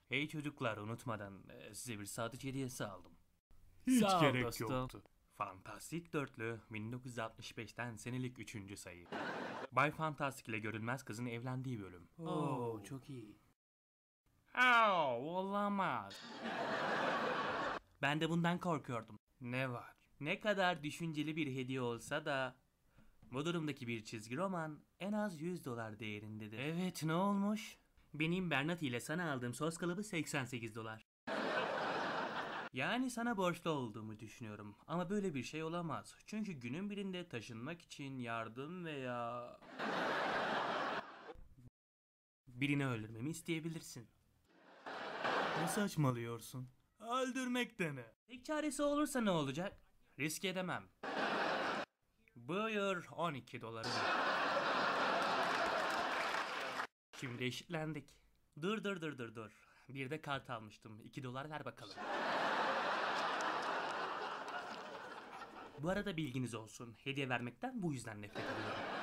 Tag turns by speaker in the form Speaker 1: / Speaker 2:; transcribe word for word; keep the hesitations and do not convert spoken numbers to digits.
Speaker 1: Hey çocuklar, unutmadan e, size bir sadıç hediyesi aldım.
Speaker 2: Hiç
Speaker 1: Sağ ol
Speaker 2: gerek
Speaker 1: dostum.
Speaker 2: yoktu.
Speaker 1: Fantastik Dörtlü bin dokuz yüz altmış beşten senelik üçüncü sayı. Bay Fantastik ile Görünmez Kızın evlendiği bölüm.
Speaker 2: Oo, çok iyi.
Speaker 1: Aa, olamaz. Ben de bundan korkuyordum. Ne var? Ne kadar düşünceli bir hediye olsa da bu durumdaki bir çizgi roman en az yüz dolar değerindedir. Evet, ne olmuş? Benim Bernat ile sana aldığım sos kalıbı seksen sekiz dolar. Yani sana borçlu olduğumu düşünüyorum ama böyle bir şey olamaz. Çünkü günün birinde taşınmak için yardım veya birini öldürmemi isteyebilirsin. Ne saçmalıyorsun? Öldürmek de ne? Tek çaresi olursa ne olacak? Risk edemem. Buyur on iki doları. Şimdi eşitlendik. Dur dur dur dur dur. Bir de kart almıştım. iki dolar ver bakalım. Bu arada bilginiz olsun. Hediye vermekten bu yüzden nefret ediyorum.